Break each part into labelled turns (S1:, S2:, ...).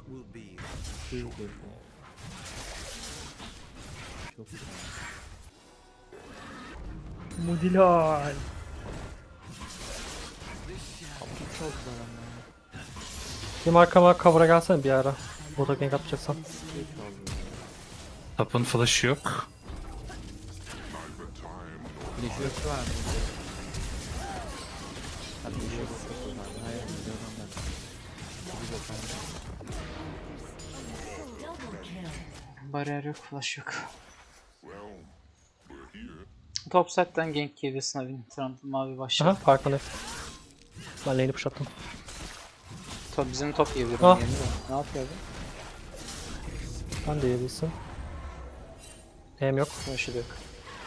S1: Çok güzel.
S2: Mudilal.
S1: Çok güzel ama.
S3: Bir arkama cover'a gelsene bir ara. Bota gank atacaksan.
S4: Tapın flash'ı yok.
S1: Flash yok var mı? Hadi bir şey yok. Hayır, biliyorum ben. Çok güzel.
S5: Bariyer yok, flash yok. Top side'den gank geliyor Snavin. Trundle mavi başladı.
S3: Aha farkındayım. Ben lane'i push attım.
S5: Top bizim top yiyebilir.
S3: Ah.
S5: Ne yapıyor bu?
S3: Ben de yiyebilsin. Hem yok.
S5: Flash'ı da yok.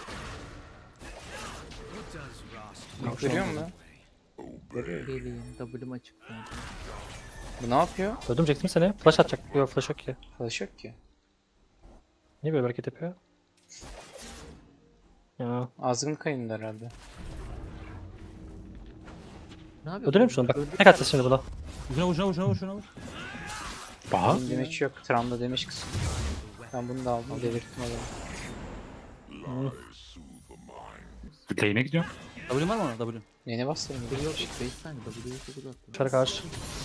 S5: Görüyor musun?
S1: Geleyim. W'm açık.
S5: Bu ne yapıyor?
S3: Öldürecektim seni. Flash atacak. Yok flash yok ki.
S5: Flash yok ki.
S3: Niye böyle bir hareket yapıyor? Ya.
S5: Azgın kayındı herhalde.
S1: Ne yapıyor?
S3: Öldüreyim şunu bak. Tek atacağız şimdi buna.
S1: Şuna vur.
S4: Baha.
S5: Benim damage yok. Trundle damage kısmı. Ben bunu da aldım. Delirttim adamı.
S4: Lane'e gidiyorum.
S1: W'm var mı ona? W.
S5: Yeni bastırdım.
S1: W yok. 5 saniye. W'yu W attım.
S3: Dışarı karşı.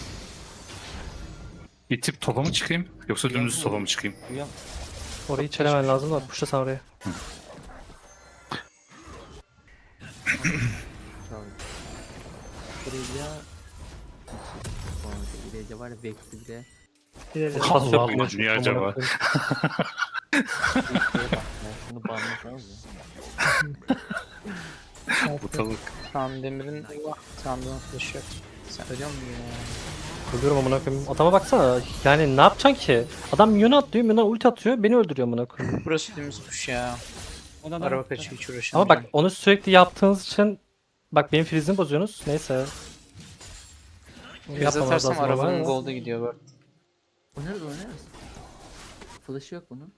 S4: İtip topa mı çıkayım? Yoksa dümdüz topa mı çıkayım?
S1: Uyan.
S3: Orayı çelemen lazım da pushla sen oraya.
S1: Çağır. Buraya İlece var ya Vex'i bile
S2: İleri.
S4: Allah Allah, niye acaba?
S1: ya şunu banlasanız ya.
S4: Ortalık.
S5: Trundle Demir'in Trundle'ın flash'ı yok. Sen ölüyor musun ya?
S3: Ölüyorum amına koyayım. Adama baksana. Yani ne yapacaksın ki? Adam minyon atlıyor, minyon ulti atıyor, beni öldürüyor amına koyayım.
S5: Burası dümdüz push ya. Araba kaçıyor hiç uğraşamıyorum.
S3: Ama bak onu sürekli yaptığınız için bak benim freeze'imi bozuyorsunuz. Neyse.
S5: Biz
S3: Yapmamamız
S5: atarsam
S3: lazım
S5: arabanın
S3: ama.
S5: golda gidiyor bu arada.
S1: Oynarız. Flash'ı yok bunun.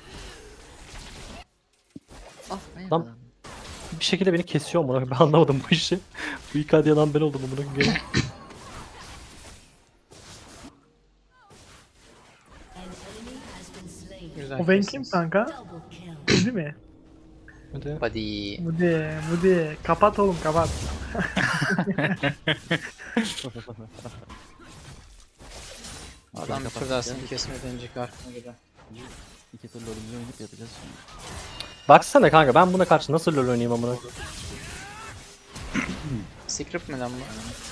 S1: Ah ne
S3: Lan-
S1: yapalım?
S3: Bir şekilde beni kesiyor amına koyayım. Ben anlamadım bu işi. Bu İKD yalan ben oldum amına koyayım.
S5: Güzel
S2: O ben kim
S5: kestiniz.
S2: kanka? Öldü mi?
S3: Hadi.
S5: Buddy.
S2: Mudi. Kapat oğlum kapat.
S5: Adam bir tur daha seni kesmeden önceki arkana gider.
S1: İki türlü ölümcü oynayıp yapacağız şimdi.
S3: Baksana kanka ben buna karşı nasıl LoL oynayayım amına koyayım.
S5: Secret mi lan bu?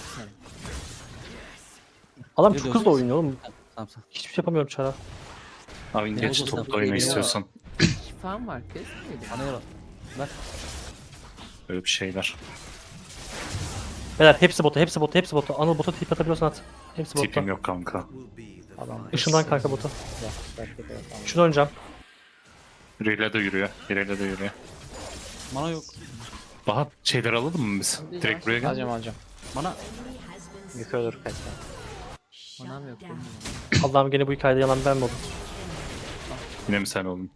S3: Adam
S1: Ne
S3: çok
S1: diyorsun?
S3: hızlı oynuyor oğlum.
S1: Tamam.
S3: Hiçbir şey yapamıyorum çara.
S4: Abi geç
S1: oldu?
S4: topla oyna
S1: Geliyor.
S4: istiyorsan.
S1: Şifam var kes miydi? Bana yalan.
S4: Böyle bir şeyler.
S3: Beyler hepsi bota, hepsi bota, hepsi bota. Anıl bota tip atabiliyorsan at. Hepsi bota.
S4: Tipim yok kanka.
S5: Adam
S3: Işından kanka bota.
S5: Bak.
S3: Şunu oynayacağım.
S4: İleri de yürüyor. İleri de yürüyor.
S1: Bana yok.
S4: Baha şeyler alalım mı biz? Direkt buraya gel.
S5: Alacağım.
S1: Bana.
S5: Yukarı doğru kaç.
S1: Manam yok. oğlum.
S3: Allah'ım gene bu hikayede yalan ben mi oldum?
S4: Yine mi sen oldun?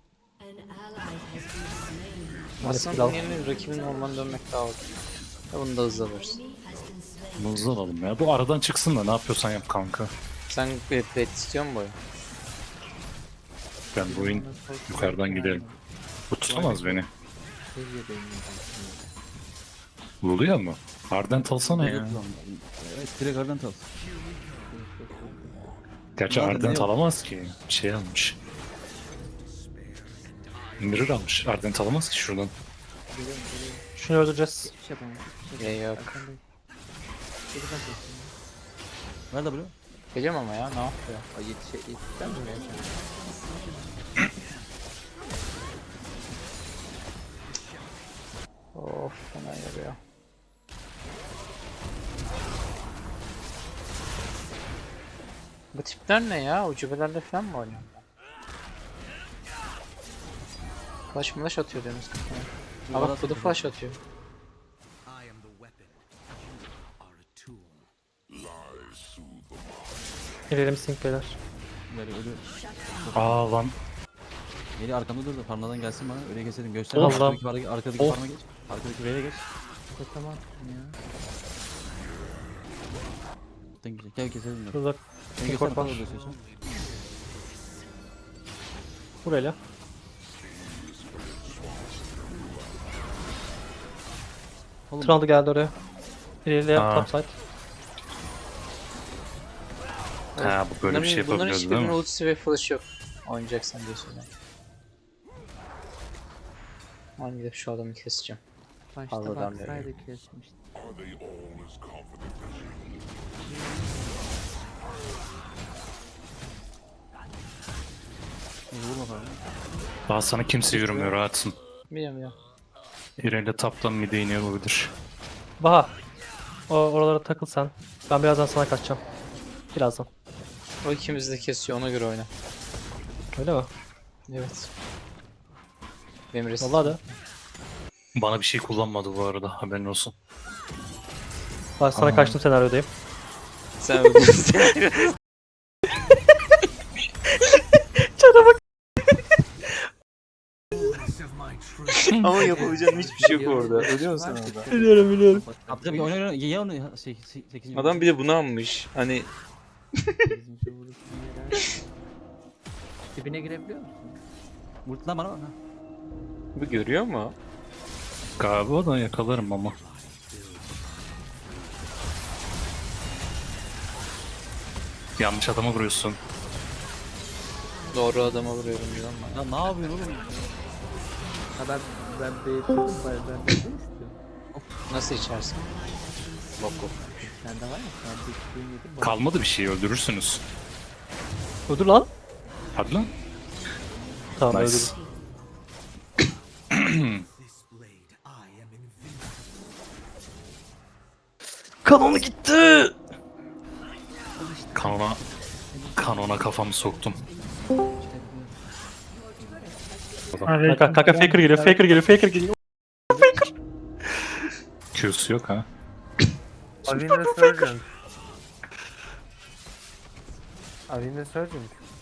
S3: Maalesef
S5: Aslında
S3: al.
S5: bunun yerine rakibin ormana dönmek daha olur. Ya bunu da hızlı alırız.
S4: Hızlı alalım ya. Bu aradan çıksın da ne yapıyorsan yap kanka.
S5: Sen bet istiyor musun bu oyun?
S4: Ben bu oyun yukarıdan gidelim. Bu tutamaz beni.
S1: Seviyedeyim ben.
S4: Buluyor mu? Ardent alsana ya.
S1: Evet direkt oradan tal.
S4: Gerçi
S1: Nerede,
S4: Ardent
S1: ne yok?
S4: alamaz ki. Şey almış. Mirror almış. Ardent alamaz ki şuradan.
S3: Şunu öldüreceğiz.
S1: Hiçbir şey yapamam. Hiçbir şey
S5: Ya yok.
S1: yapamam. Geri bak bakayım. Nerede bunu?
S5: Geliyorum ama ya ne yapıyor?
S1: Ay yetişten mi ya?
S5: Of fena yarıyor. Bu tipler ne ya? Ucubelerle falan mı oynuyor? Flash atıyor Deniz kafana. Ha bak bu da flash atıyor.
S3: Gelelim sync beyler.
S1: Böyle ölü.
S4: Aa lan.
S1: Geri arkamda dur da parmadan gelsin bana öyle keselim göster.
S3: Of.
S1: Arkadaki parma geç. Arkadaki V'ye geç. Tamam ya. Gel keselim.
S3: Şurada
S1: Sen
S3: import
S1: göster
S3: var.
S1: parmağı da istiyorsan.
S3: Burayla.
S1: Oğlum,
S3: Trundle geldi oraya. İleriye
S4: Aa.
S3: topside.
S4: Ha bu böyle bir şey
S5: Bunların
S4: yapabiliyoruz değil
S5: hiçbirinin
S4: mi?
S5: ultisi ve flash yok. Oynayacaksan diye söylüyorum. Ben gidip şu adamı keseceğim.
S1: başta
S5: Fazladan
S1: baksaydı kesmişti. Vurma bana.
S4: Daha sana kimse yürümüyor rahatsın.
S5: Biliyorum ya.
S4: İreyle taptan mide iniyor olabilir.
S3: Baha. Oralara takıl sen. Ben birazdan sana kaçacağım. Birazdan.
S5: O ikimizi de kesiyor, ona göre oyna.
S3: Öyle mi?
S5: Evet. Benim resim.
S3: Vallahi de.
S4: Bana bir şey kullanmadı bu arada haberin olsun.
S3: Ben sana
S4: Aa.
S3: kaçtım senaryodayım.
S5: Sen öldün. Ama yapabileceğim hiçbir şey yok orada. Biliyor musun orada?
S3: Biliyorum biliyorum.
S1: Abi tabii oyna oyna. Ye onu. 8.
S5: Adam bir de bunu almış. Hani
S1: 8. vuruşun yere. Dibine girebiliyor musun? Vurt lan bana bak.
S5: bu görüyor mu?
S4: Galiba da yakalarım ama. Yanlış adama vuruyorsun.
S5: Doğru adama vuruyorum diyor ama.
S1: Ya ne yapıyorsun oğlum? Ha ben değiştirdim. Ben de istiyorum.
S5: Nasıl içersin? Bok bok.
S1: Sende var ya. Ben de yedim.
S4: Kalmadı bir şey öldürürsünüz.
S3: Öldür lan.
S4: Hadi lan.
S3: Tamam
S4: Nice.
S3: öldür. Kanonu gitti.
S4: Kanona kafamı soktum.
S3: Kanka faker geliyor, faker geliyor, faker geliyor.
S4: Q'su yok ha.
S6: Avin ve Surgeon. Avin ve Surgeon.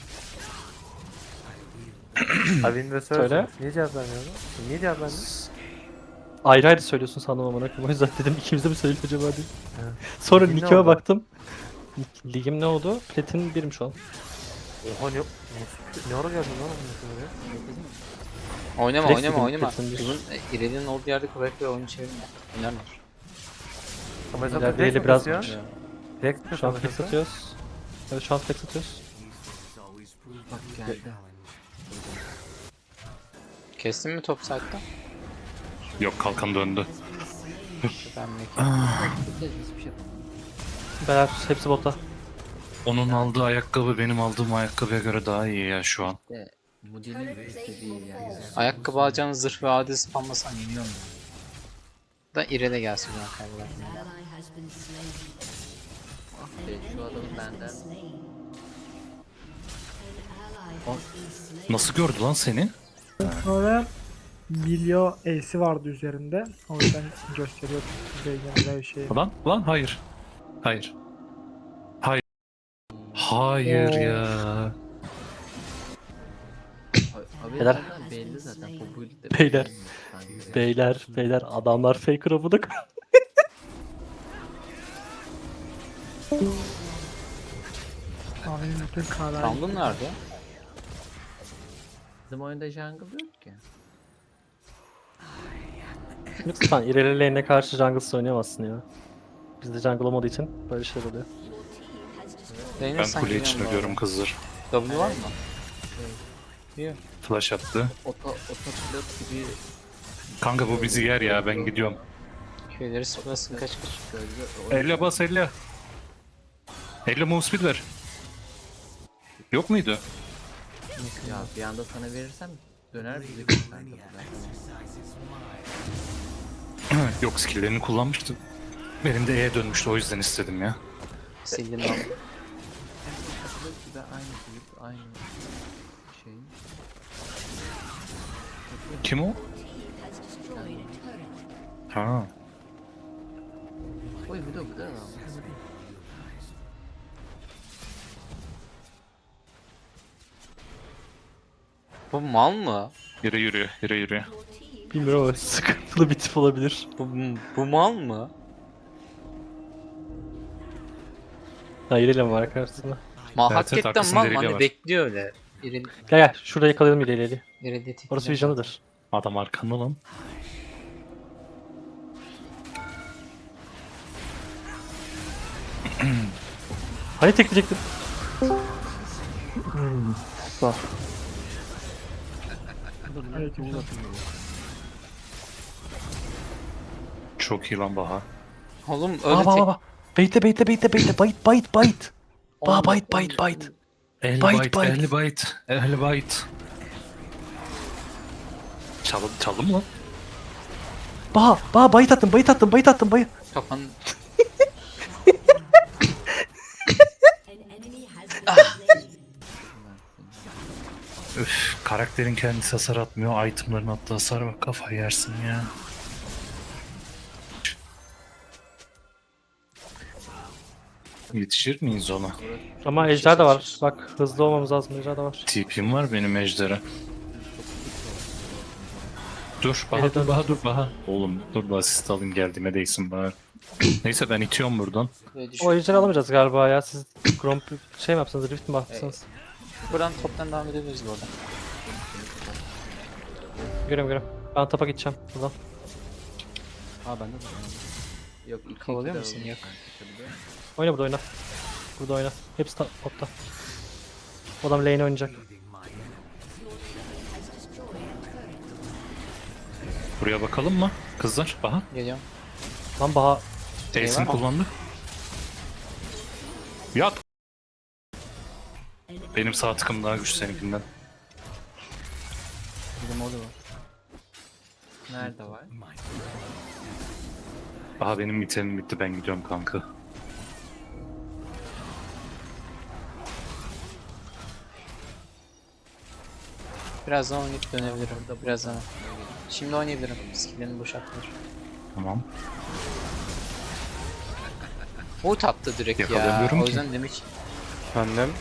S6: Avin ve Surgeon.
S3: Söyle.
S6: Niye cevap vermiyor? Niye cevap vermiyor?
S3: Ayrı ayrı söylüyorsun sandım amına koyayım. O yüzden dedim ikimiz de mi söylüyor acaba diye.
S6: Evet.
S3: Sonra
S6: Ligin ne
S3: nickime
S6: oldu?
S3: baktım. Ligim ne oldu? Platin 1'im şu an.
S6: Oha ne ara geldin lan onun oraya?
S5: Oynama
S3: Flex
S5: oynama
S3: dedim,
S5: oynama.
S3: kesin bir-
S5: Bunun İrelia'nın olduğu yerde kolay kolay oyunu çevirme. Oynarlar.
S6: Ama mesela
S3: İleride
S6: flex
S3: eli
S6: mi
S3: biraz-
S6: kasıyor? Flex mi
S3: Şu an
S6: kasıyor?
S3: flex atıyoruz. Evet şu an flex atıyoruz.
S1: Bak geldi.
S5: Kestin mi top saatte?
S4: Yok kalkan döndü.
S5: Ben mi?
S1: Hiçbir şey yapamam.
S3: Beyler hepsi botta.
S4: Onun aldığı ayakkabı benim aldığım ayakkabıya göre daha iyi ya şu an.
S1: De Moody'nin istediği yani.
S5: Ayakkabı alacağın zırh ve adil spamlasan yeniyor mu? Da İrele gelsin ben kaybedersin.
S1: Ah be şu adamı benden.
S4: Nasıl gördü lan seni?
S2: Sonra Milyo E'si vardı üzerinde. O yüzden gösteriyor. Böyle bir şey.
S4: Lan hayır. Hayır. Hayır ya.
S1: Abi
S3: Beyler.
S1: zaten belli zaten. Bu build'de
S3: Beyler.
S1: belli.
S3: Beyler adamlar faker abuduk.
S2: Abi bütün kadar.
S5: Random nerede?
S1: Bizim oyunda jungle yok ki.
S3: Lütfen ileri lane'e karşı jungle oynayamazsın ya. Bizde jungle olmadığı için böyle şeyler oluyor.
S5: Benim
S4: Ben kule için ölüyorum kızlar.
S5: W var mı? Yok.
S4: Flash attı.
S1: Otopilot gibi
S4: Kanka bu bizi yer ya ben gidiyorum.
S5: Köyleri sıfırlasın kaç kaç.
S1: gözle
S4: Elle bas elle. Elle move speed ver. Yok muydu?
S1: ya bir anda sana verirsem döner bizi kanka.
S4: Yok skill'lerini kullanmıştı. Benim de E'ye dönmüştü o yüzden istedim ya.
S5: Sildim ben.
S1: Otopilot gibi aynı build, aynı şey.
S4: Kim o? Ha.
S1: Oy bir de güzel ama.
S5: Bu mal mı?
S4: Yürü.
S3: Bilmiyorum ama sıkıntılı bir tip olabilir.
S5: Bu mal mı?
S3: Ha ileri mi var karşısında?
S5: Mal
S4: Evet, evet,
S5: hakikaten
S4: arkasında
S5: mal mı?
S4: deliği
S5: Hani
S4: var.
S5: bekliyor öyle. İreli,
S3: Gel gel şurada yakalayalım ileri.
S5: İreli tek.
S3: Orası vizyonıdır.
S4: Adam arkanda lan.
S3: Hani tekleyecektim.
S1: Dur lan.
S2: Aleyküm selam.
S4: Çok iyi lan Baha.
S5: Oğlum öyle
S3: Aa bak
S5: tek.
S3: bak bak. Beyte. Bite. Baha
S5: Oğlum,
S3: bite.
S4: El
S3: Bite,
S4: bite,
S3: bite.
S4: el bite, el bite. Çaldım lan.
S3: Baha bite attım.
S5: Kafanın
S4: Üf, karakterin kendisi hasar atmıyor. Itemların attığı hasar bak, kafayı yersin ya. Yetişir miyiz ona?
S3: Ama ejder de var. Bak hızlı olmamız lazım, ejder de var.
S4: TP'm var benim ejdere. Dur Baha,
S3: Evet,
S4: dur Baha, dur Baha. Oğlum dur da asist alayım, geldiğime değsin bari. Neyse ben itiyorum buradan.
S5: böyle
S3: O ejderi alamayacağız galiba ya. Siz Gromp şey mi yapsanız, Rift mi yapsanız?
S5: Buradan toptan devam edebiliriz bu arada.
S3: Görüyorum. Ben tapa gideceğim buradan.
S1: Aa bende de. Yok iki
S5: Kovalıyor
S1: iki de
S5: musun?
S1: oldu.
S5: Yok.
S3: Oyna burada oyna. Burada oyna. Hepsi topta. O adam lane oynayacak.
S4: Buraya bakalım mı kızlar? Baha.
S5: Geliyorum.
S3: Lan Baha
S4: Ace'ini
S5: Eyvah.
S4: kullandı. Yat. Benim sağ tıkım daha güçlü seninkinden.
S1: Bir de modu var. Nerede var?
S4: Aha benim itemim bitti, ben gidiyorum kanka.
S5: Birazdan oynayıp dönebilirim. Birazdan. Şimdi oynayabilirim. Skill'lerini boşaltılır.
S4: Tamam.
S5: Ult attı direkt ya.
S4: Yakalayamıyorum
S5: O
S4: ki.
S5: yüzden demek
S6: Efendim?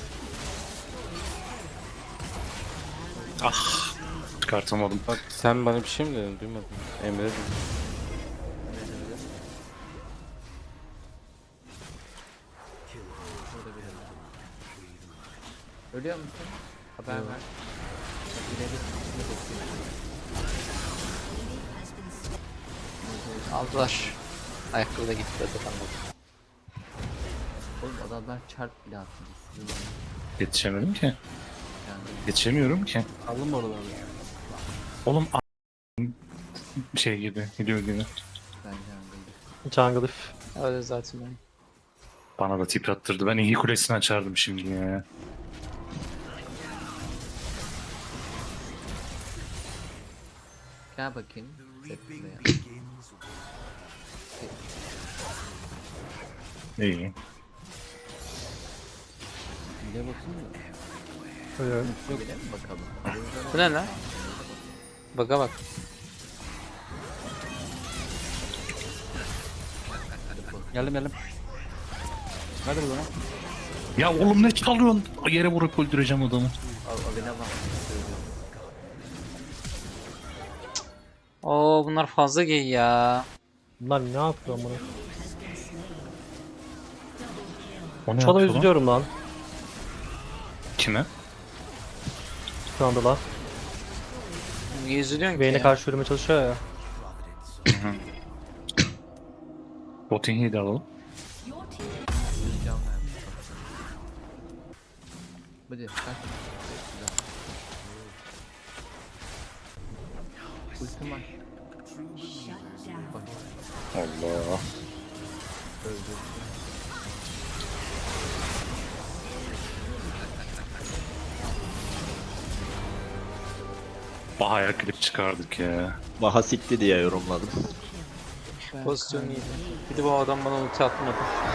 S4: Ah. Çıkartamadım.
S6: Bak sen bana bir şey mi dedin? Duymadım. Emre dedin.
S1: Ölüyor musun? Haber ver. Bak, ileri gitmesini bekliyorum.
S5: aldılar. Ayakkabı da gitti zaten.
S1: Oğlum adamlar çarp bile attı.
S4: Yetişemedim ki.
S1: Yani
S4: Yetişemiyorum ki.
S1: alın oraları.
S4: Oğlum şey gibi, gidiyor gibi.
S1: Bence öyle.
S3: jungle if.
S5: Öyle zaten ben.
S4: Bana da tip attırdı. Ben iyi kulesini açardım şimdi ya.
S1: Gel bakayım. Buraya.
S4: İyi.
S1: Bir de bakayım mı?
S3: Ölüyorum.
S1: Yok bile mi bakalım?
S5: Bu ne lan? Baga bak.
S1: Geldim. Hadi buradan.
S4: Ya oğlum ne çalıyorsun? Yere vurup öldüreceğim adamı.
S1: Avine bak.
S5: Oo bunlar fazla gay ya.
S3: Bunlar ne yapıyor bunu?
S4: O ne
S3: Şu adamı
S4: yapıyor lan?
S3: üzülüyorum lan.
S4: Kime?
S3: Şu anda la.
S5: Niye üzülüyorsun ki
S3: Vayne'e
S5: ya?
S3: karşı yürümeye çalışıyor ya.
S4: Botin'i de alalım.
S1: Can vermiş. Hadi kaç. Ultim var. Bak
S4: Allah.
S1: öldü.
S4: Bahaya klip çıkardık ya.
S7: Baha sikti diye yorumladım.
S5: Pozisyon iyiydi. Bir de bu adam bana ulti atmadı.